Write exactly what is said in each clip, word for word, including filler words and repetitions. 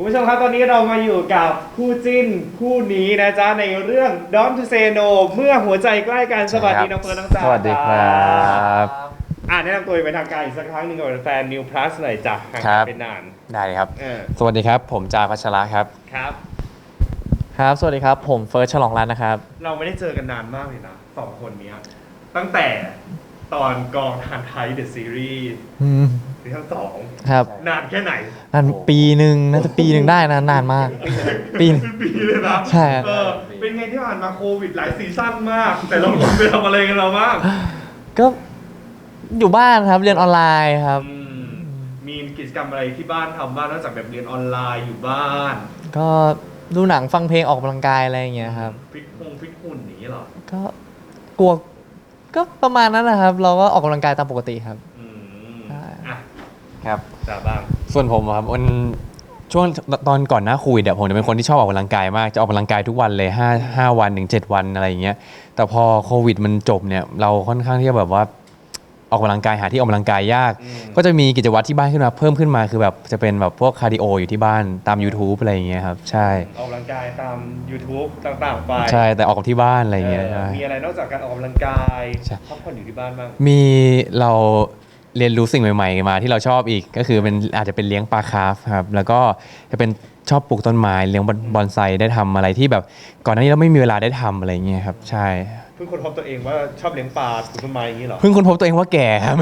คุณผู้ชมครับตอนนี้เรามาอยู่กับคู่จิ้นคู่นี้นะจ๊ะในเรื่อง Don't to Say No เมื่อหัวใจใกล้กันสวัสดีน้องเฟิร์นน้องจ๋าสวัสดีครับอ่าแนะนำตัวเป็นทางการอีกสักครั้งหนึ่งกับแฟน New Plus หน่อยจ้ะห่างกันเป็นนานได้ครับเออสวัสดีครับผมจาพัชระครับครับครับสวัสดีครับผมเฟิร์สฉลองรัตน์นะครับเราไม่ได้เจอกันนานมากเลยนะสองคนเนี้ยตั้งแต่ตอนกองทานไทยเดอะซีรีส์ซีซั่นสองครับนานแค่ไหนนานปีหนึ่งน่าจะปีหนึ่งได้นะนานมากปีหนึ่งเป็นปีเลยนะใช่เออเป็นไงที่ผ่านมาโควิดหลายซีซั่นมาก แต่เราไปทำอะไรกันเราบ้างก็อยู่บ้านครับเรียนออนไลน์ครับอืมมีกิจกรรมอะไรที่บ้านทำบ้างนอกจากแบบเรียนออนไลน์อยู่บ้านก็ดูหนังฟังเพลงออกกำลังกายอะไรอย่างเงี้ยครับฟิตฮงฟิตหุ่นอย่างนี้เหรอก็กลัวก็ประมาณนั้นนะครับ เราก็ออกกำลังกายตามปกติครับอืมใช่อ่ะครับจ้าบ้างส่วนผมอะครับวันช่วงตอนก่อนหน้าโควิดอะผมจะเป็นคนที่ชอบออกกำลังกายมากจะออกกำลังกายทุกวันเลยห้าห้าวันถึงเจ็ดวันอะไรอย่างเงี้ยแต่พอโควิดมันจบเนี่ยเราค่อนข้างที่จะแบบว่าออกกำลังกายหาที่ออกกำลังกายยากอืมก็จะมีกิจวัตรที่บ้านขึ้นมาเพิ่มขึ้นมาคือแบบจะเป็นแบบพวกคาร์ดิโออยู่ที่บ้านตาม YouTube อะไรอย่างเงี้ยครับใช่ออกกำลังกายตาม YouTube ต่างๆไปใช่แต่ออกที่บ้านอะไรอย่างเงี้ยเออใช่มีอะไรนอกจากการออกกำลังกายใช่พักผ่อนอยู่ที่บ้านบ้างมีเราเรียนรู้สิ่งใหม่ๆมาที่เราชอบอีกก็คือเป็นอาจจะเป็นเลี้ยงปลาคาร์ฟครับแล้วก็จะเป็นชอบปลูกต้นไม้เลี้ยงบอนไซได้ทำอะไรที่แบบก่อนหน้านี้เราไม่มีเวลาได้ทำอะไรอย่างเงี้ยครับใช่เพิ่งค้นพบตัวเองว่าชอบเลี้ยงปลาปลูกต้นไม้อย่างนี้เหรอเพิ่งค้นพบตัวเองว่าแก่ครับ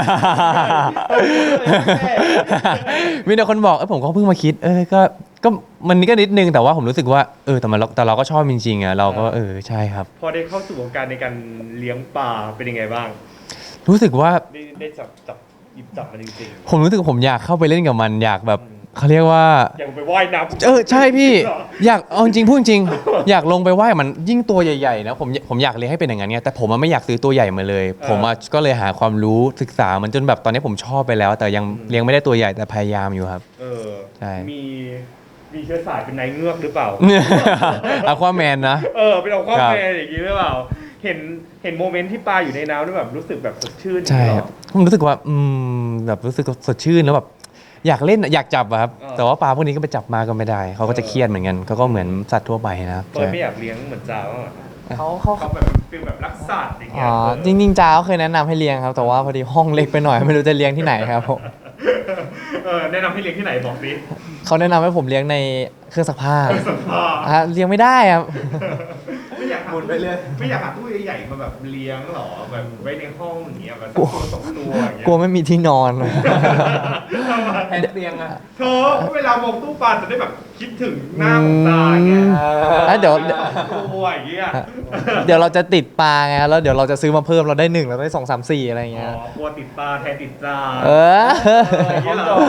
มีแต่คนบอกเออผมก็เพิ่งมาคิดเออก็ก็มันก็นิดนึงแต่ว่าผมรู้สึกว่าเออแต่มันแต่เราก็ชอบจริงๆอ่ะเราก็เออใช่ครับพอได้เข้าสู่วงการในการเลี้ยงปลาเป็นยังไงบ้างรู้สึกว่าได้ได้จับจับหยิบจับมันจริงผมรู้สึกผมอยากเข้าไปเล่นกับมันอยากแบบเขาเรียกว่าๆ อย่างไปว่ายน้ำเออใช่พี่เหรออยากเอาจริงพูดจริง อยากลงไปว่ายมันยิ่งตัวใหญ่ๆนะผมผมอยากเลี้ยงให้เป็นอย่างนั้นไงแต่ผมอะไม่อยากซื้อตัวใหญ่มาเลย ผมอะก็เลยหาความรู้ศึกษามันจนแบบตอนนี้ผมชอบไปแล้ว แต่ยังเลี้ยงไม่ได้ตัวใหญ่แต่พยายามอยู่ครับเออใช่มีมีเชื้อสายเป็นนายเงือกหรือเปล่าอะควาแมนนะเออเป็นเอาความครับแมนอย่างนี้หรือเปล่า เห็นเห็นโมเมนต์ที่ปลาอยู่ในน้ำแล้วแบบรู้สึกแบบสดชื่นใช่อย่างนี้คเหรัรบอผมรู้สึกว่าอืมแบบรู้สึกสดชื่นแล้วแบบอยากเล่นอยากจับอะครับเออแต่ว่าปลาพวกนี้ก็ไปจับมาก็ไม่ได้เขาก็จะเครียดเหมือนกันเขาก็เหมือนสัตว์ทั่วไปนะครับเฟิร์นไม่อยากเลี้ยงเหมือนจ้าบ้างเหรอเขาเขาเขาแบบฟีลแบบรักสัตว์อย่างเงี้อ๋ยอเออจริงๆจ้าเขาเคยแนะนำให้เลี้ยงครับ แต่ว่าพอดีห้องเล็กไปหน่อยไม่รู้จะเลี้ยงที่ไหนครับผมเออแนะนำให้เลี้ยงที่ไหนบอกสิเขาแนะนำให้ผมเลี้ยงในเครื่องซักผ้าสภาอ่ะเลี้ยงไม่ได้ครับไม่อยากหาตู้ไม่อยากหาตู้ใหญ่ๆมาแบบเลี้ยงหรอแบบไว้ในห้องอย่างเงี้ยแบบสักตัวสองตัวอย่างเงี้ยกลัวไม่มีที่นอนแทนเตียงอะเธอเวลามองตู้ปลาจะได้แบบคิดถึงหน้าของตาเงี้ยอ่ะเดี๋ยวตัวอย่างเงี้ยเดี๋ยวเราจะติดปลาไงแล้วเดี๋ยวเราจะซื้อมาเพิ่มเราได้หนึ่งเราได้สองสามสี่อะไรอย่างอ๋เงี้ยอกลัวติดปลาแทนติดจานเออเอออย่างเงี้ยเหรอ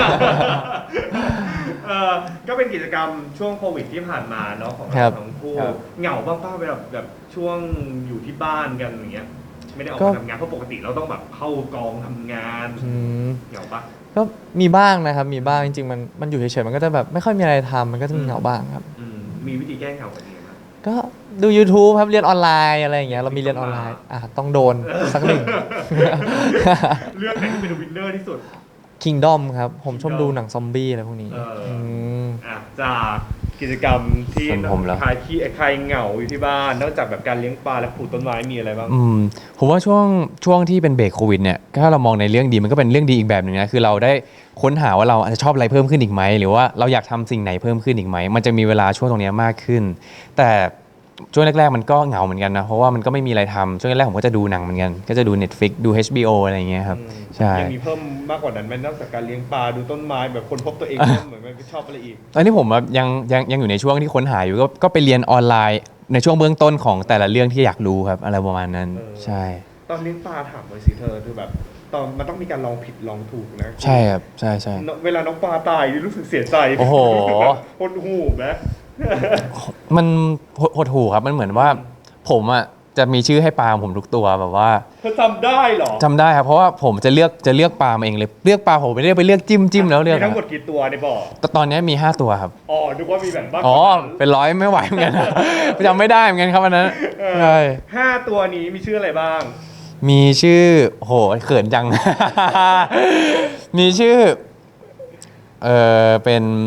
เออก็เป็นกิจกรรมช่วงโควิดที่ผ่านมาเนาะของครัเราบทั้งคู่ครับเหงาบ้างป้าแบบแบบช่วงอยู่ที่บ้านกันอย่างเงี้ยไม่ได้ออกก็มาทำงานเพราะปกติเราต้องแบบเข้ากองทำงานอืมเหงาปะก็มีบ้างนะครับ มีบ้างจริงๆมันมันอยู่เฉยๆมันก็จะแบบไม่ค่อยมีอะไรทำมันก็จะมีเหงาบ้างครับอืมมีวิธีแก้เหงาแบบนี้ไหมก็ดู YouTube ครับเรียนออนไลน์อะไรอย่างเงี้ยเรามีเรียนออนไลน์อ่ะต้องโดนสักหนึ่งเรื่องไหนที่เป็นวินเนอร์ที่สุด Kingdom ครับ ผมชอบ Kingdom ดูหนังซอมบี้อะไรพวกนี้เอออืมอ่ะจากกิจกรรมที่ส่วนผมเหรอคลายขี้คลายเหงาอยู่ที่บ้านนอกจากแบบการเลี้ยงปลาและปลูกต้นไม้มีอะไรบ้างอืมผมว่าช่วงช่วงที่เป็นเบรกโควิดเนี่ยถ้าเรามองในเรื่องดีมันก็เป็นเรื่องดีอีกแบบหนึ่งนะคือเราได้ค้นหาว่าเราอาจจะชอบอะไรเพิ่มขึ้นอีกไหมหรือว่าเราอยากทำสิ่งไหนเพิ่มขึ้นอีกไหมมันจะมีเวลาช่วงตรงเนี้ยมากขึ้น แต่ช่วงแรกๆมันก็เหงาเหมือนกันนะเพราะว่ามันก็ไม่มีอะไรทำช่วงแรกๆผมก็จะดูหนังเหมือนกันก็จะดู Netflix ดู เอช บี โอ อะไรอย่างเงี้ยครับอืมใช่ยังมีเพิ่มมากกว่านั้นไหมนอกจากการเลี้ยงปลาดูต้นไม้แบบคนพบตัวเองเพิ่มเหมือนมันชอบอะไรอีกตอนนี้ผมแบบยังยังยังอยู่ในช่วงที่ค้นหาอยู่ก็ก็ไปเรียนออนไลน์ในช่วงเบื้องต้นของแต่ละเรื่องที่อยากรู้ครับอะไรประมาณนั้นเออใช่ตอนเลี้ยงปลาถามเลยสิเธอคือแบบตอนมันต้องมีการลองผิดลองถูกนะใช่ครับใช่ใช่เวลาน้องปลาตายรู้สึกเสียใจโอ้โหรู้สึกแบบหดหูไหมมันหดหดหูครับมันเหมือนว่าผมอ่ะจะมีชื่อให้ปลาผมทุกตัวแบบว่าเธอจำได้เหรอจำได้ครับเพราะว่าผมจะเลือกจะเลือกปลามาเองเลยเลือกปลาผมไม่ได้ไปเลือกจิ้มจิ้มแล้วเลือกมีทั้งหมดกี่ตัวในบ่อแต่ตอนนี้มีห้าตัวครับอ๋อนึกว่ามีแบบบ้างอ๋อเป็นร้อยไม่ไหวเหมือนกันจำไม่ได้เหมือนกันครับอันนั้นใช่ห้าตัวนี้มีชื่ออะไรบ้างมีชื่อโหเขินจัง มีชื่อเออเป็น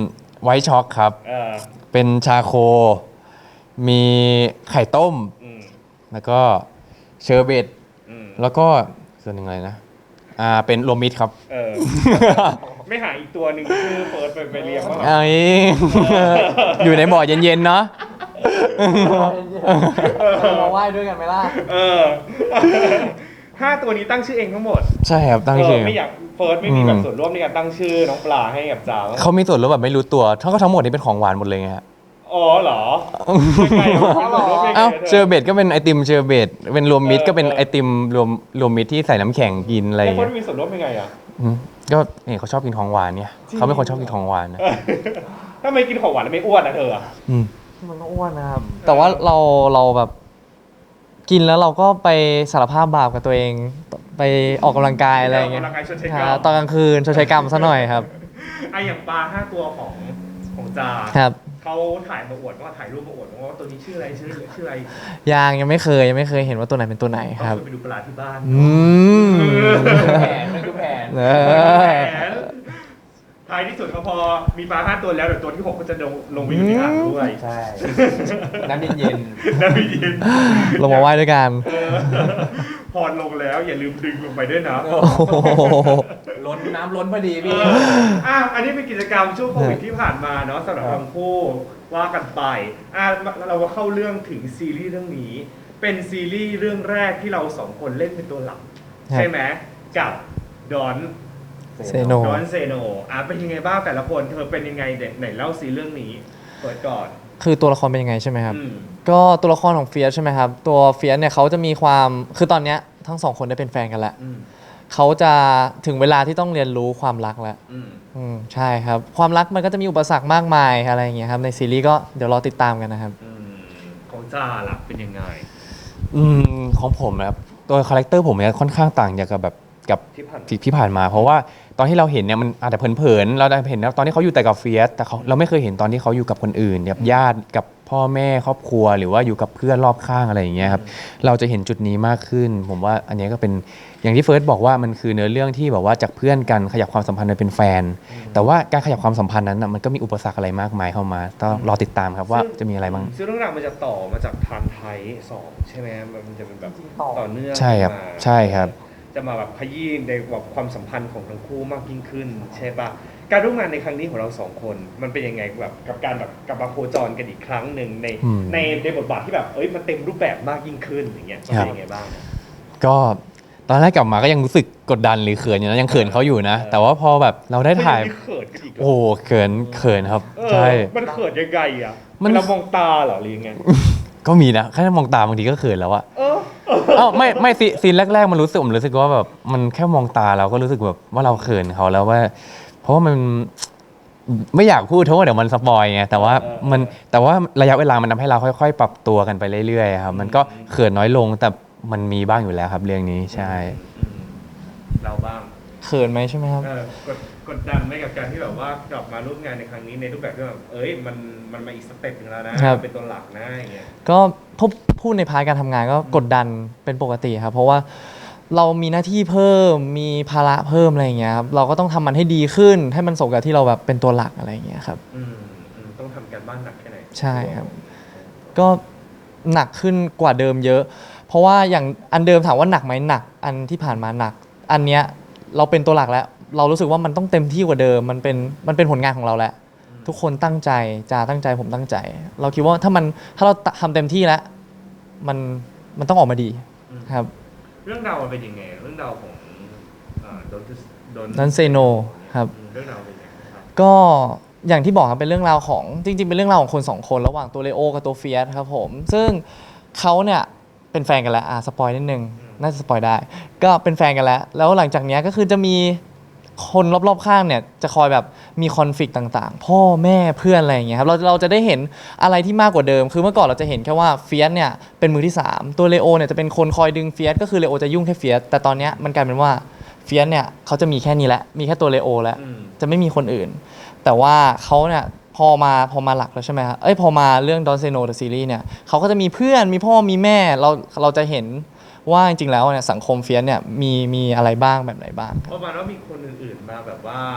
ไวท์ช็อกครับเออเป็นชาโค มีไข่ต้มอืมแล้วก็เชอร์เบตอืมแล้วก็ส่วนหนึ่งอะไรนะ อ่า เป็นรวมมิตรครับเออ ไม่หาอีกตัวหนึ่งชื่อเฟิร์สไปไปเรียงว่าไอ้ อยู่ในบ่อเย็นๆ เนาะมาไหว้ด้วยกันไหมล่ะเออ ห้าตัวนี้ตั้งชื่อเองทั้งหมดใช่ครับ ตั้งชื่อเไม่อยากเฟิร์สไม่มีแบบอืมส่วนร่วมในการตั้งชื่อน้องปลาให้กับจ๋าบ้างเขามีส่วนร่วมแบบไม่รู้ตัว ทั้งก็ทั้งหมดนี่เป็นของหวานหมดเลยไงฮะอ๋อเหรอยังไงวะมีส่วนร่วมยังไงเอ้าธเชอร์เบตก็เป็นไอติมเชอร์เบตเป็นรวมมิตรก็เป็นไอติมรวมรวมมิตรที่ใส่น้ำแข็งกินอะไรอแล้วย่างเฟิเงี้ร์สยมีส่วนร่วมยังไงอ่ะอืมก็เนี่ยเขาชอบกินของหวานเนี่ยจริงเขาเป็นคนชอบกินของหวานนะถ้าไม่กินของหวานแล้วไม่อ้วนนะเธออะอืมมันก็อ้วนนะครับ แต่ว่าเราเราแบบกินแล้วเราก็ไปสารภาพบาปกับตัวเอง ไปออกกำลังกายอะไรอย่างเงี้ยกำลังกายชดใช้คกรรรับมตอนกลางคืนชดใช้กรรมซะหน่อยครับไอะอย่างปลาห้าตัวของของจาครับเขาถ่ายมาอวดว่าถ่ายรูปมาอวดว่าตัวนี้ชื่ออะไรชื่อชื่ออะไรยังยังไม่เคยยังไม่เคยเห็นว่าตัวไหนเป็นตัวไหนต้อครับงไปดูปลาที่บ้านอืมแผนมันคือแผนเอแผอนท้ายที่สุดก็พอมีปลาห้าตัวแล้วเดี๋ยวตัวที่หกก็จะลงลงไปอยู่ในอ่างด้วยใช่ น้ำเย็นนะพี่ยินลงมาไหว้ด้วยกันเออพอลงแล้วอย่าลืมดึงลงไปด้วยนะโอ้โหๆล้นน้ำล้นพอดีเอพี่ออ่ะอันนี้เป็นกิจกรรมช่วงโควิดที่ผ่านมาเนาะสำหรับทั้งคู่ว่ากันไปอ่ะเราก็เข้าเรื่องถึงซีรีส์เรื่องนี้ เป็นซีรีส์เรื่องแรกที่เราสองคนเล่นเป็นตัวหลักครับใช่ไหมกับดอนเซโนดอนเซโนอ่ะเป็นยังไงบ้างแต่ละคนเธอเป็นยังไงเด็กไหนเล่าซีเรื่องนี้เปิดก่อนคือตัวละครเป็นยังไงใช่ไหมครับอืมก็ตัวละครของเฟียสใช่ไหมครับ ตัวเฟียสเนี่ยเขาจะมีความคือตอนเนี้ยทั้งสองคนได้เป็นแฟนกันแล้วอืมเขาจะถึงเวลาที่ต้องเรียนรู้ความรักแล้วอืมอืมใช่ครับ ความรักมันก็จะมีอุปสรรคมากมายอะไรอย่างเงี้ยครับในซีรีส์ก็เดี๋ยวรอติดตามกันนะครับอืมของจ้าล่ะเป็นยังไงอืมของผมนะครับตัวคาแรคเตอร์ผมเนี่ยค่อนข้างต่างจากกับแบบกับที่ผ่านที่ที่ผ่านมา เพราะว่าตอนที่เราเห็นเนี่ยมันอาจจะเผินๆเราได้เห็นนะตอนที่เขาอยู่แต่กับเฟียสแต่เขาเราไม่เคยเห็นตอนที่เขาอยู่กับคนอื่นกับญาติกับพ่อแม่ครอบครัว หรือว่าอยู่กับเพื่อนรอบข้างอะไรอย่างเงี้ยครับเราจะเห็นจุดนี้มากขึ้น ผมว่าอันนี้ก็เป็นอย่างที่เฟิร์สบอกว่ามันคือเนื้อเรื่องที่แบบว่าจากเพื่อนกันขยับความสัมพันธ์ไปเป็นแฟน แต่ว่าการขยับความสัมพันธ์นั้นนะมันก็มีอุปสรรคอะไรมากมายเข้ามาต้องรอติดตามครับว่าจะมีอะไรบ้างซึ่งเรื่องราวมันจะต่อมาจากทันไทยสองใช่ไหมมันจะเป็นแบบต่อเนื่องใช่ครับมาใช่ครับจะมาแบบขยี้ในแบบความสัมพันธ์ของทั้งคู่มากยิ่งขึ้น ใช่ปะการร่วมงานในครั้งนี้ของเราสองคน มันเป็นยังไงแบบกับการแบบกลับมาโคจรกันอีกครั้งหนึ่งในอืมในในบทบาทที่แบบเอ้ยมันเต็มรูปแบบมากยิ่งขึ้นอย่างเงี้ยมันเป็นยังไงบ้างก็ตอนแรกกลับมาก็ยังรู้สึกกดดันหรือเขินอยู่นะยังเขินเขาอยู่นะเออแต่ว่าพอแบบเราได้ถ่ายไม่เขินกันอีกเหรโอ้โหเขินเขินครับเออใช่มันเขินยังไงอ่ะมันเรามองตาเหรอหรือยังไงก็มีนะแค่มองตาบางทีก็เขินแล้วอะเออเอ้าไม่ไม่ซีซีนแรกๆมันรู้สึกผมรู้สึกว่าแบบมันแค่มองตาเราก็รู้สึกแบบว่าเราเขินเขาแล้วว่า เพราะว่ามันไม่อยากพูดเพราะว่าเดี๋ยวมันสปอยไงแต่ว่าเออเออมันแต่ว่าระยะเวลามันทำให้เราค่อย ๆ ปรับตัวกันไปเรื่อยๆครับมันก็เขินน้อยลงแต่มันมีบ้างอยู่แล้วครับเรื่องนี้ใช่อืมเราบ้างเขินไหมใช่ไหมครับเออกดกดดันไหมกับการที่แบบว่ากลับมาร่วมงานในครั้งนี้ในรูปแบบที่แบบเอ้ยมันมันมาอีกสเต็ปหนึงแล้วนะครับ เป็นตัวหลักนะอย่างเงี้ยก็พูดพูดในพาร์ทการทำงานก็กดดันเป็นปกติครับ เพราะว่าเรามีหน้าที่เพิ่มมีภาระเพิ่มอะไรอย่างเงี้ยครับเราก็ต้องทำมันให้ดีขึ้น ให้มันสมกับที่เราแบบเป็นตัวหลักอะไรอย่างเงี้ยครับอืมอืมต้องทำการบ้านหนักแค่ไหนใช่ครับ ก็หนักขึ้นกว่าเดิมเยอะ เพราะว่าอย่างอันเดิมถามว่าหนักไหมหนัก อันที่ผ่านมาหนัก อันเนี้ยเราเป็นตัวหลักแล้ว เรารู้สึกว่ามันต้องเต็มที่กว่าเดิม มันเป็นมันเป็นผลงานของเราแล้ว ทุกคนตั้งใจจาตั้งใจผมตั้งใจ เราคิดว่าถ้ามันถ้าเราทำเต็มที่แล้วมันมันต้องออกมาดีครับเรื่องราวมันเป็นยังไง เรื่องราวของโดนโดนนั้นเซโนครับเรื่องราวเป็นยังไงครับก็อย่างที่บอกครับเป็นเรื่องราวของจริง ๆ เป็นเรื่องราวของคนสองคนระหว่างตัวเลโอกับตัวเฟียสครับผมซึ่งเขาเนี่ยเป็นแฟนกันแล้วอ่ะสปอยนิดนึงน่าจะสปอยได้ ก็เป็นแฟนกันแล้ว แล้วหลังจากเนี้ยก็คือจะมีคนรอบๆข้างเนี่ยจะคอยแบบมีคอนฟ lict ต่างๆ พ่อแม่เพื่อนอะไรอย่างเงี้ยครับเราเราจะได้เห็นอะไรที่มากกว่าเดิม คือเมื่อก่อนเราจะเห็นแค่ว่าเฟียสเนี่ยเป็นมือที่สามตัวเลโอเนี่ยจะเป็นคนคอยดึงเฟียสก็คือเลโอจะยุ่งแค่เฟียสแต่ตอนเนี้ยมันกลายเป็นว่าเฟียสเนี่ยเขาจะมีแค่นี้แหละมีแค่ตัวเลโอแล้วอืมจะไม่มีคนอื่น แต่ว่าเขาเนี่ยพอมาพอมาหลักแล้วใช่ไหมครับเอ้ยพอมาเรื่อง Don't Say No The Series เนี่ยเขาก็จะมีเพื่อนมีพ่อมีแม่เราเราจะเห็นว่าจริงๆแล้วเนี่ยสังคมเฟียสเนี่ยมีมีอะไรบ้างแบบไหนบ้างคเพรับราะมาว่ามีคนอื่นๆมาแบบว่า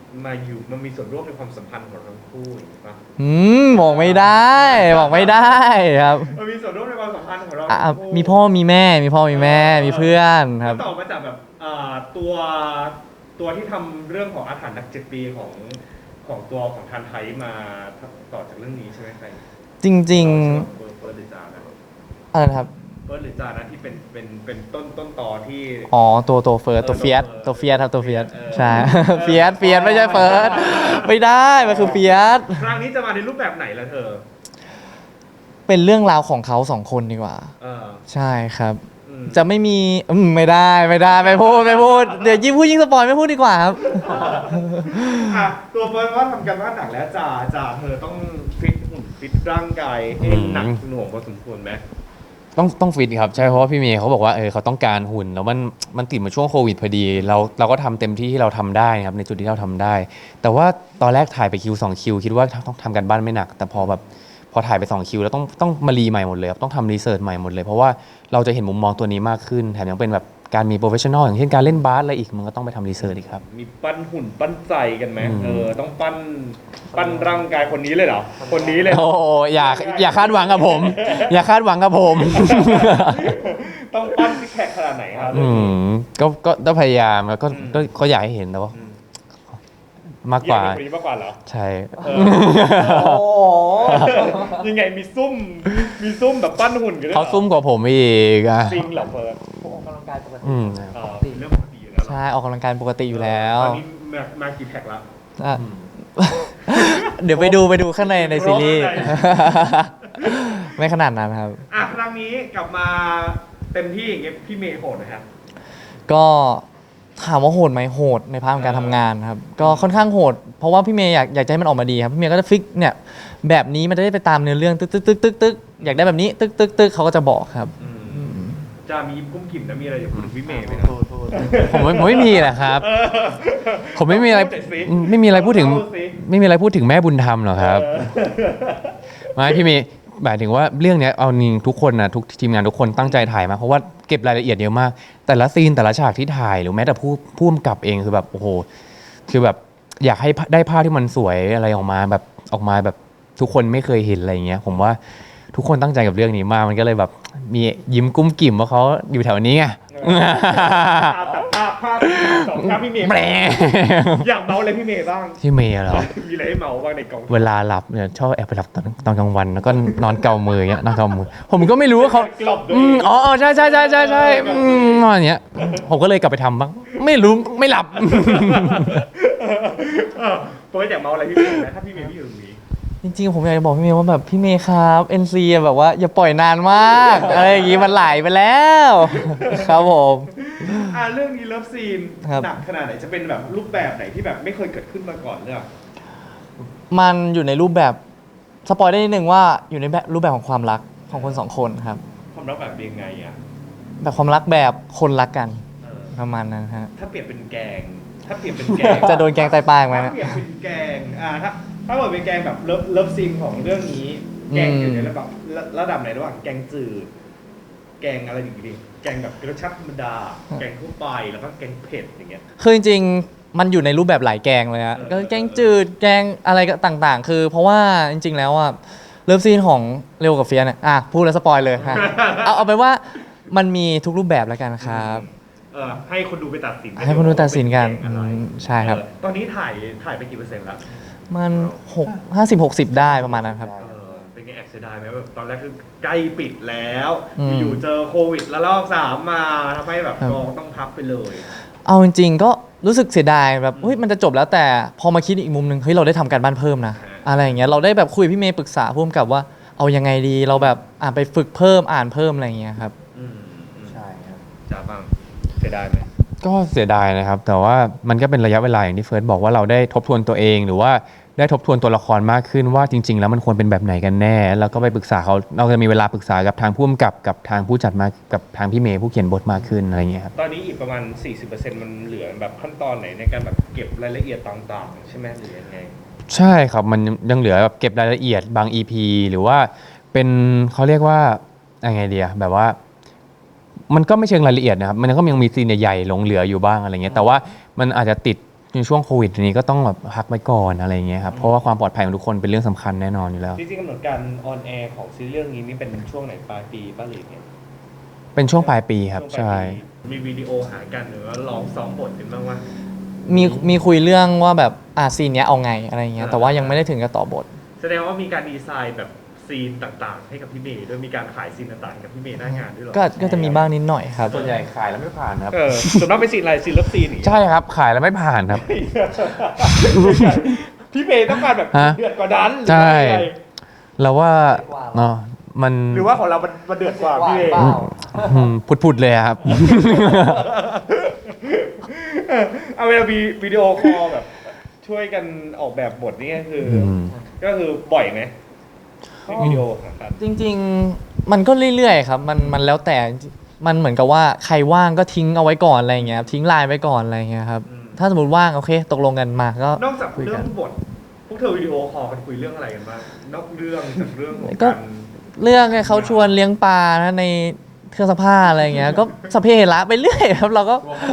มาอยู่มันมีส่วนร่วมในความสัมพันธ์ของทั้งคู่อย่างนี้ปะอืมบอกไม่ได้ บอกไม่ได้ครับมันมีส่วนร่วมในความสัมพันธ์ของเราอ่ะทั้งคู่มีพ่อมีแม่ มีพ่อมีแม่ มีเพื่อนครับต่อมาจากแบบอ่าตัวตัวที่ทำเรื่องของอาถรรพ์นักเจ็ดปีของของตัวของทันไทยมาต่อจากเรื่องนี้ใช่ไหมใครจริงเฟิร์สเฟิร์สหรือจานะๆอะไรนะครับเฟิร์สหรือจานะที่เป็นเป็นเป็นต้นต้นตอที่อ๋อ ตัวตัวเฟิร์สตัวเฟียสตัวเฟียสครับตัวเฟียสใช่ เฟียสเฟียสไม่ใช่เฟิร์สไม่ได้ มันคือเฟียสครั้งนี้จะมาในรูปแบบไหนล่ะเธอเป็นเรื่องราวของเขาสองคนดีกว่าเออใช่ครับอืมจะไม่มีอืมไม่ได้ไม่ได้ไม่พูดไม่พูดเดี๋ยวยิ่งพูดยิ่งสปอยไม่พูดดีกว่าครับอ่ะตัวเฟิร์สว่าทำกันว่านหนักแล้วจ่าจ่าเธอต้องฟิตหุ่นฟิตร่างกายให้หนักหน่วงพอสมควรไหมต้องต้องฟิตครับใช่เพราะว่าพี่เมย์เขาบอกว่าเออเขาต้องการหุ่นแล้วมันมันติดมาช่วงโควิดพอดีเราเราก็ทำเต็มที่ที่เราทำได้ครับในจุดที่เราทำได้ แต่ว่าตอนแรกถ่ายไปคิวสองคิวคิดว่าต้องทำกันบ้านไม่หนัก แต่พอแบบพอถ่ายไปสองคิวแล้วต้องต้องมารีใหม่หมดเลยครับต้องทำรีเสิร์ชใหม่หมดเลยเพราะว่าเราจะเห็นมุมมองตัวนี้มากขึ้นแถมยังเป็นแบบการมีโปรเฟชชั่นอลอย่างเช่นการเล่นบาสอะไรอีกมันก็ต้องไปทำรีเสิร์ชอีกครับมีปั้นหุ่นปั้นใจกันไหมอืมเออต้องปั้นปั้นร่างกายคนนี้เลยเหรอคนนี้เลยโอ้อย่าอย่าคาดหวังกับผม อย่าคาดหวังกับผมต้องปั้นซิกแพคขนาดไหนครับอืมก็ก็ต้องพยายามแล้วก็อืมก็ก็อยากให้เห็นแต่ว่าอืมมากกว่าอยเป็นคนนี้มากกว่าเหรอใช่เออยังไงมีซุ่มมีซุ่มแบบปั้นหุ่นกันด้วยหรอเขาซุ่มกว่าผมอีกอ่ะจริงเหรอเฟิร์สผมออกกำลังกายปกติอืมเออเป็นเรื่องปกติอยู่แล้วเหรอใช่ออกกำลังกายปกติอยู่แล้วตอนนี้มามากี่แพ็คละอ่ะ เดี๋ยวไปดูไปดูข้างในในซีรีส์ข้างในไม่ขนาดนั้นครับอ่ะครั้งนี้กลับมาเต็มที่อย่างเงี้ยพี่เมย์โหดนะครับก็ถามว่าโหดไหมโหดในพาร์ทของการทำงานครับ ก็ค่อนข้างโหด เพราะว่าพี่เมย์อยากอยากจะให้มันออกมาดีครับพี่เมย์ก็จะฟิกเนี่ยแบบนี้มันจะได้ไปตามเนื้อเรื่องตึกตึกตึกตึกตึกอยากได้แบบนี้ตึกตึกตึกเขาก็จะบอกครับจะมียิ้มกุ้มกิ่มนะมีอะไรจะพูดถึงพี่เมย์ไหมนะผมไม่ผมไม่มีแหละครับ ผมไม่มีอะไรพูดหน่อยสิไม่มีอะไรพูดถึงเล่าสิไม่มีอะไรพูดถึงแม่บุญธรรมหรอกครับ ไม่พี่เมย์หมายถึงว่าเรื่องเนี้ยเอาจริงทุกคนนะทุกทีมงานทุกคนตั้งใจถ่ายมาเพราะว่าเก็บรายละเอียดเยอะมาก แต่ละซีนแต่ละฉากที่ถ่ายหรือแม้แต่ผู้ผู้กำกับเองคือแบบโอ้โหคือแบบอยากให้ได้ภาพที่มันสวยอะไรออกมาแบบออกมาแบบทุกคนไม่เคยเห็นอะไรอย่างเงี้ย ผมว่าทุกคนตั้งใจกับเรื่องนี้มากมันก็เลยแบบมียิ้มกุ้มกิ่มว่าเขาอยู่แถวนี้ไงภาพตัดภาพภาพสองภาพพี่เมย์แหมอยากเมาอะไรพี่เมย์บ้างพี่เมย์เหรอมีอะไรให้เมาบ้างในกองเวลาหลับเนี่ยชอบแอบไปหลับตอนตอนกลางวันแล้วก็นอนเกามืออย่างเงี้ยนอนเกามือ ผมก็ไม่รู้ว่าเขากลบด้วอืยมอ๋ออ๋อใช่ใช่ใช่ใช่ใช่อืมอะไรอย่างเงี้ยผมก็เลยกลับไปทำบ้างไม่รู้ไม่หลับเออเฟิร์สอยากเมาอะไรพี่เมย์ไหมถ้าพี่เมย์ไม่อยู่ตรงนี้จริงๆผมอยากจะบอกพี่เมย์ว่าแบบพี่เมย์ครับ เอ็น ซี อะแบบว่าอย่าปล่อยนานมากอะไรอย่างงี้มันไหลไปแล้ว ครับผมอ่าเรื่องนี้เลิฟซีนครับหนักขนาดไหนจะเป็นแบบรูปแบบไหนที่แบบไม่เคยเกิดขึ้นมาก่อนเนี่ยมันอยู่ในรูปแบบสปอยได้นิดนึงว่าอยู่ในแบบรูปแบบของความรักของคนสองคนครับความรักแบบยังไงอ่ะแบบความรักแบบคนรักกันเออประมาณนั้นฮะถ้าเปรียบเป็นแกง ถ้าเปรียบเป็นแกงจะโดนแกงไตปลายไหมถ้านะเปรียบเป็นแกงอ่าถ้าถ้าเกิดเป็นแกงแบบเลิฟเลิฟซีนของเรื่องนี้ แกงอยู่ในระดับระระดับไหนระหว่างแกงจืดแกงอะไรอย่างงี้แกงแบบรสชาติธรรมดา แกงทั่วไปแล้วก็แกงเผ็ดอย่างเงี้ยคือจริงๆมันอยู่ในรูปแบบหลายแกงเลยฮะเออก็แกงจืดแกงอะไรก็ต่างๆ คือเพราะว่าจริง ๆ แล้วอ่ะเลิฟซีนของเร็วกับเฟียสเนี่ยอ่ะพูดแล้วสปอยเลยฮะ เอาเอาไปนว่ามันมีทุกรูปแบบแล้วกันครับเออให้คนดูไปตัดสินให้คนดูตัดสินกันว่าเป็แงอะไรอืมใช่ครับเออตอนนี้ถ่ายถ่ายไปกี่เปอร์เซ็นต์แล้วมันหกห้าสิบหกสิบได้ประมาณนั้นครับเออเป็นไงแอบเสียดายไหมแบบตอนแรกคือใกล้ปิดแล้วอืมอยู่ๆเจอโควิดแล้วรอบสามมาทำให้แบบครับกองต้องพับไปเลยเอาจริงๆก็รู้สึกเสียดายแบบเฮ้ยมันจะจบแล้วแต่พอมาคิดอีกมุมหนึ่งเฮ้ยเราได้ทำการบ้านเพิ่มนะ อะไรอย่างเงี้ยเราได้แบบคุยกับพี่เมย์ปรึกษาพ่วงกับว่าเอายังไงดีเราแบบอ่านไปฝึกเพิ่มอ่านเพิ่มอะไรอย่างเงี้ยครับอืมอืมใช่ครับจ้าบ้างเสียดายไหมก็เสียดายนะครับ แต่ว่ามันก็เป็นระยะเวลาอย่างที่เฟิร์สบอกว่าเราได้ทบทวนตัวเอง หรือว่าได้ทบทวนตัวละครมากขึ้นว่าจริง ๆ แล้วมันควรเป็นแบบไหนกันแน่ แล้วก็ไปปรึกษาเขาเราจะมีเวลาปรึกษากับทางผู้กำกับกับทางผู้จัดมากับทางพี่เมย์ผู้เขียนบทมากขึ้นอะไรอย่างเงี้ยครับตอนนี้อีกประมาณ สี่สิบเปอร์เซ็นต์ มันเหลือแบบขั้นตอนไหนในการแบบเก็บรายละเอียดต่างๆ ใช่ไหมหรือยังไงใช่ครับมันยังเหลือแบบเก็บรายละเอียดบาง อี พี หรือว่าเป็นเขาเรียกว่ายังไงเดียแบบว่า มันก็ไม่เชิงรายละเอียดนะครับมันก็ยังมีซีนใหญ่ๆหลงเหลืออยู่บ้างอะไรเงี้ยแต่ว่ามันอาจจะติดในช่วงโควิดนี้ก็ต้องแบบพักไว้ก่อนอะไรอย่างเงี้ยครับเพราะว่าความปลอดภัยของทุกคนเป็นเรื่องสำคัญแน่นอนอยู่แล้วจริงๆกำหนดการออนแอร์ของซีรีส์เรื่องนี้นี่เป็นช่วงไหนปลายปีป้าหรือเนี่ยเป็นช่วงปลายปีครับช่วงปลายใช่ปีมีวิดีโอหากันหรือว่าลองซ้อมบทกันบ้างวะมีมีคุยเรื่องว่าแบบอ่าซีนเนี้ยเอาไงอะไรเงี้ยอ่าแต่ว่ายังไม่ได้ถึงกับต่อบทแสดงว่ามีการดีไซน์แบบซีนต่างๆ ให้กับพี่เมย์ด้วยมีการขายซีนต่างๆให้กับพี่เมย์หน้างานด้วยเหรอก็ก็จะมีบ้างนิดหน่อยครับส่วนใหญ่ขายแล้วไม่ผ่านครับเออส่วนมากเป็นซีนอะไรซีนเลิฟซีนนี่ใช่ครับขายแล้วไม่ผ่านครับพี่เมย์ต้องการแบบฮะเดือดกว่านั้นหรือใช่ว่ายังไงเราว่าเนาะมันหรือว่าของเรามันมันเดือดกว่าพี่เมย์อืมผุดๆเลยอะครับเออเอาเวลามีวิดีโอคอลแบบช่วยกันออกแบบบทนี่ก็คืออมก็คือบ่อยไหมวิดีโอหากันจริงๆ มันก็เรื่อยๆครับ มันมันแล้วแต่ มันเหมือนกับว่าใครว่างก็ทิ้งเอาไว้ก่อนอะไรเงี้ยครับทิ้งไลน์ไว้ก่อนอะไรเงี้ยครับอืมถ้าสมมติว่างโอเค ตกลงกันมาก็นอกจากคุยเรื่กัอน งบทพวกเธอวิดีโอคอลกันคุยเรื่องอะไรกันบ้างนอกเรื่องจากเรื่องของก็การเรื่องไงเขาชวนเลี้ยงปลานะในเครื่องซักผ้าอะไรเงี้ย ก็สพเปเหระไปเรื่อยครับ เราก็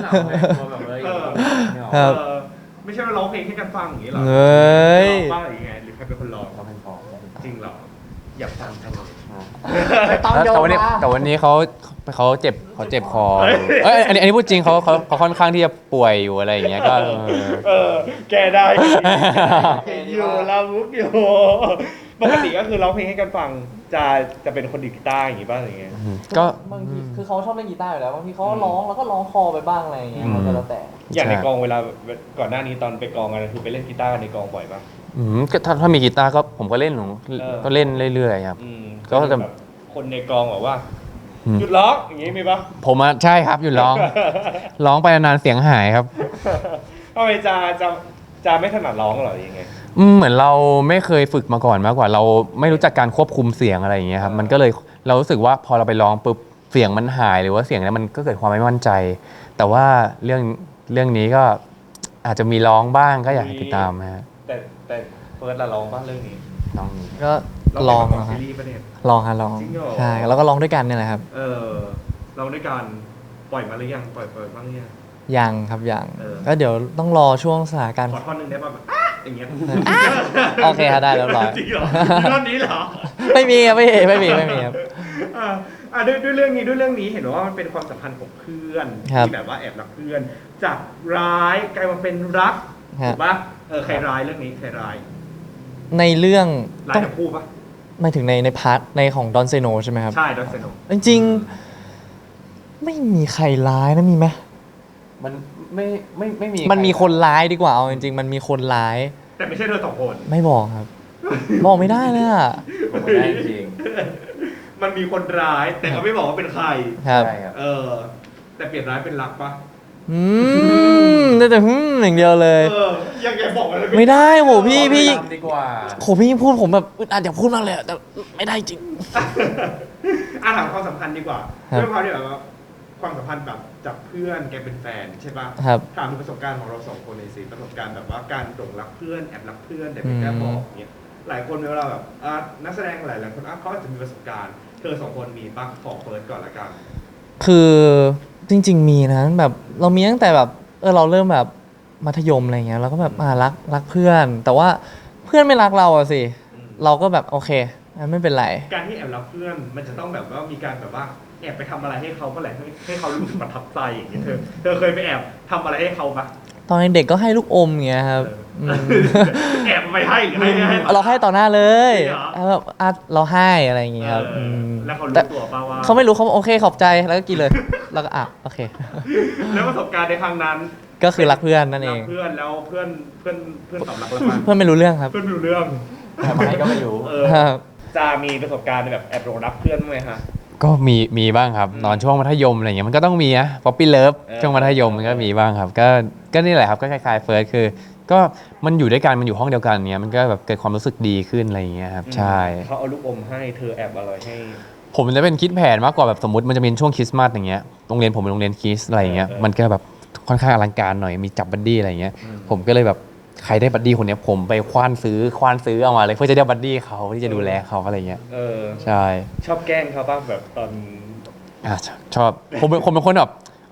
เอครับอไม่ใช่ว่าร้องเพลงให้กันฟังอย่างนี้หรอเอ้ยร้องบ้างหรือยังไงหรือใครเป็นคนร้องจริงเหรออยากฟังจังเลยต้องโยแต่นวันนี้มาแต่วันนี้เขาเขาเจ็บเขาเจ็บคอเฮ้ยเอ้ยอันนี้อันนี้พูดจริงเขาเขาเขาค่อนข้างที่จะป่วยอยู่อะไรอย่างเงี้ยก็เออเออ แกได้เห็นอยู่ลาวุกอยู่ปกติก็คือร้องเพลงให้กันฟังจะจะเป็นคนดีดกีตาร์อย่างงี้บ้างอะไรเงี้ยก็บางทีคือเขาชอบเล่นกีตาร์อยู่แล้วบางทีเขาก็ร้องแล้วก็ร้องคอไปบ้างอะไรอย่างเงี้ยมันก็แล้วแต่อย่างในใช่กองเวลาก่อนหน้านี้ตอนไปกองกันคือไปเล่นกีตาร์กันในกองบ่อยปะอืมก็ถ้าถ้ามีกีตาร์ก็ผมก็เล่นหนูเออก็เล่นเรื่อยๆครับอืมก็จะแบบคนในกองบอกว่าอืมหยุดร้องอย่างงี้มีปะผมอะใช่ครับหยุดร้อง ร้องไปนานๆเสียงหายครับทำไมจะจะจะไม่ถนัดร้องเหรอยังไงอืมเหมือนเราไม่เคยฝึกมาก่อนมากกว่า เราไม่รู้จักการควบคุมเสียงอะไรอย่างเงี้ยครับอ่ามัมันก็เลยเรารู้สึกว่าพอเราไปร้องปุ๊บเสียงมันหายหรือว่าเสียงนั้นมันก็เกิดความไม่มั่นใจ แต่ว่าเรื่องเรื่องนี้ก็อาจจะมีร้องบ้างก็อยากให้ติดตามนะฮะแต่แต่เฟิร์สละร้องบ้างเรื่องนี้น้องก็ลองนะนะคครัรับบ ซีรีส์ประเด็นลองฮะลองจริงเหรอใช่แล้วก็ร้องด้วยกันเนี่ยแหละครับเออเราด้วยการปล่อยมาหรือยังปล่อยปล่อยบ้างหรือยังยังครับยังเออก็เดี๋ยวต้องรอช่วงสถานการณ์ขอท่อนหนึ่งได้ป่ะแบบอ๊ะอย่างเงี้ยโอเคครับได้เรียบร้อยจริงเหรอมีท่อนนี้เหรอไม่มีครับไม่มีไม่มีไม่มีครับอ่าอ่าด้วยด้วยเรื่องนี้ด้วยเรื่องนี้เห็นว่ามันเป็นความสัมพันธ์ของเพื่อนครับที่แบบว่าแอบรักเพื่อน จากร้ายกลายมาเป็นรักฮะถูกปะเออใครร้ายเรื่องนี้ใครร้ายในเรื่องร้ายต้องทั้งคู่ปะหมายถึงในในพาร์ทในของดอนเซโนใช่ไหมครับใช่ดอนเซโนจริงๆไม่มีใครร้ายนะมีไหมมันไม่ไม่ไม่มีมันมีคนร้ายดีกว่าเอาจริงๆ มันมีคนร้ายแต่ไม่ใช่เธอสองคนไม่บอกครับ บอกไม่ได้เลยอ่ะผมไม่ได้จริงมันมีคนร้าย แต่เขาไม่บอกว่าเป็นใครครับใช่ครับเออ แต่เปลี่ยนร้ายเป็นรักปะอืมได้แต่หืมอย่างเดียวเลยเออยังไงบอกอะไรไม่ได้โหพี่พี่ตามดีกว่าโหพี่พูดผมแบบอึดอัดอยากพูดมากเลยอะแต่ไม่ได้จริงอ่ะถามความสัมพันธ์ดีกว่าครับด้วยความที่แบบว่าความสัมพันธ์แบบจากเพื่อนแกเป็นแฟนใช่ปะครับถามถึงประสบการณ์ของเราสองคนในอยสิประสบการณ์แบบว่าการหลงรักเพื่อนแอบรักเพื่อนแต่ไม่กล้าบอกเงี้ยหลายคนเวลาแบบอ่ะนักแสดงหลายหลายๆคนอ่ะเขาอาจจะมีประสบการณ์เธอสองคนมีปะขอเฟิร์สก่อนละกันคือจริง ๆ มีนะแบบเรามีตั้งแต่แบบเออเราเริ่มแบบมัธยมอะไรเงี้ยเราก็แบบอ่ารักรักเพื่อน แต่ว่าเพื่อนไม่รักเราอะสิอืมเราก็แบบโอเคงั้นไม่เป็นไรการที่แอบรักเพื่อนมันจะต้องแบบว่ามีการแบบว่าแอบไปทำอะไรให้เขาเมื่อไหร่ให้ให้เขารู้สึกประทับใจอย่างเงี้ยเธอเธอเคยไปแอบทำอะไรให้เขาปะตอนเด็กก็ให้ลูกอมเงี้ยครับเออมแอบไปให้หรือให้ให้เราให้ต่อหน้าเลยจริงเหรอแล้วแบบอ่ะเราให้อะไรอย่างเงี้ยครับเออมแล้วเขารู้แต่ตัวป่าว่าเขาไม่รู้เขาบอกโอเคขอบใจแล้วก็กินเลย แล้วก็อ่ะโอเคแล้วประสบการณ์ในครั้งนั้นก็คือรักเพื่อนนั่นเองรักเพื่อนแล้วเพื่อนเพื่อนเพื่อนตอบรับเราปะเพื่อนไม่รู้เรื่องครับเพื่อนไม่รู้เรื่องทำไมก็ไม่รู้เออครับจะมีประสบการณ์แบบแอบหลงรักเพื่อนบ้างไหมฮะก็มีมีบ้างครับอืมตอนช่วงมัธยมอะไรเงี้ยมันก็ต้องมีนะป๊อปปี้เลิฟเออช่วงมัธยมมันก็มีบ้างครับ ก็ก็นี่แหละครับก็คล้ายๆเฟิร์สคือ ก็มันอยู่ด้วยกันมันอยู่ห้องเดียวกันเนี้ยมันก็แบบเกิดความรู้สึกดีขึ้นอะไรอย่างเงี้ยครับใช่เขาเอาลูกอมให้เธอแอบอร่อยให้ผมจะเป็นคิดแผนมากกว่าแบบสมมติมันจะเป็นช่วงคริสต์มาสอย่างเงี้ยโรงเรียนผมเป็นโรงเรียนคริสต์อะไรอย่างเงี้ยเออมันก็แบบค่อนข้างอลังการหน่อยมีจับบัดดี้อะไรอย่างเงี้ยอืมผมก็เลยแบบใครได้บัดดี้คนเนี้ยผมไปคว้านซื้อคว้านซื้อเอามาเลยเพื่อจะได้บัดดี้เขาที่จะดูแลเขาอะไรเงี้ยเออใช่ชอบแกล้งเขาป่ะแบบตอนอ่ะชอบชอบผมเป็นผมเป็นคนแบบ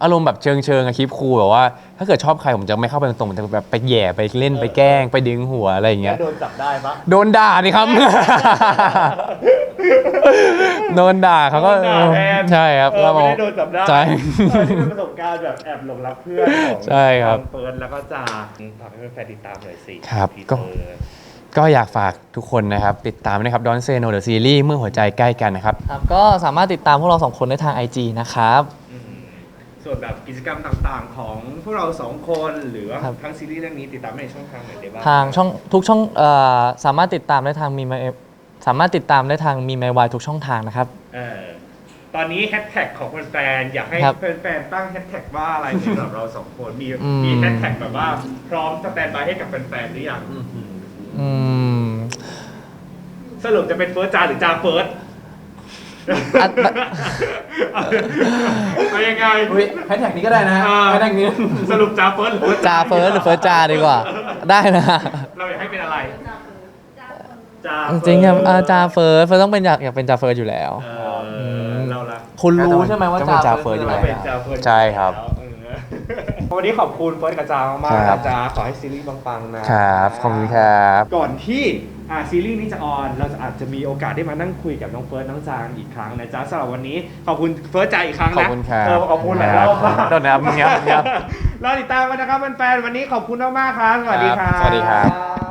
อารมณ์แบบเชิงเชิงอะคลิปครูแบบว่า ถ้าเกิดชอบใครผมจะไม่เข้าไปตรงๆผมจะแบบไปแหย่ไปเล่นไปแกล้งไปดึงหัวอะไรอย่างเงี้ยโดนจับได้ปะโดนด่าดิครับ โดนด่าเขาก็โดนด่าแทนใช่ครับเออไม่ได้โดนจับได้ใช่เออนี่เป็นประสบการณ์แบบแอบหลงรักเพื่อนของใช่ครับทางเฟิร์นแล้วก็จาฝากให้แฟนๆติดตามหน่อยสิครับทีก็เซอร์ก็อยากฝากทุกคนนะครับ ติดตามนะครับ Don't Say No The Series เมื่อหัวใจใกล้กันนะครับครับก็สามารถติดตามพวกเราสองคนได้ทาง ไอ จี นะครับอืมส่วนแบบกิจกรรมต่างๆ ของพวกเราสองคนหรือว่าครับทั้งซีรีส์เรื่องนี้ติดตามในช่องทางไหนได้บ้างทางช่องทุกช่องเอ่อสามารถติดตามได้ทางมีมสามารถติดตามได้ทางมีไมวายทุกช่องทางนะครับเออตอนนี้แฮชแท็กของแฟนๆอยากให้ครับแฟนๆตั้งแฮชแท็กว่าอะไรสำหรับเราสองคนมีอืมมีแฮชแท็กแบบว่าพร้อมสแตนบายให้กับแฟนๆหรือยังอืมสรุปจะเป็นเฟิร์สจาหรือจาเฟิร์สอัดเอายังไงแฮชแท็กนี้ก็ได้นะเออแฮชแท็กนี้สรุปจาเฟิร์สหรือเฟิร์สจาเฟิร์สหรือเฟิร์สจาดีกว่า ได้นะเราอยากให้เป็นอะไรจาจริงๆครับอ่าจาเฟิร์สเฟิร์สต้องเป็นอยากอยากเป็นจาเฟิร์สอยู่แล้วเออเราละคุณรู้ใช่ไหมว่าต้องเป็นจาจาเฟิร์สเฟิร์สอยู่เราแล้วเป็นจาเฟิร์สใช่ครับเออวันนี้ขอบคุณเฟิร์สกับจามากๆคครัรับบจาขอให้ซีรีส์ปังๆนะครับขอบคุณครับก่อนที่อ่าซีรีส์นี้จะออนเราจะอาจจะมีโอกาสได้มานั่งคุยกับน้องเฟิร์สน้องจางอีกครั้งนะจ๊ะสำหรับวันนี้ขอบคุณเฟิร์สจาอีกครั้งนะขอบคุณครับเออขอบคุณหลายรอบมากโดนนะครับเงียบเงียบรอติดตามกันนะครับแฟนๆวันนี้ขอบคุณมากๆครับสวัสดีครับสวัสดีครับ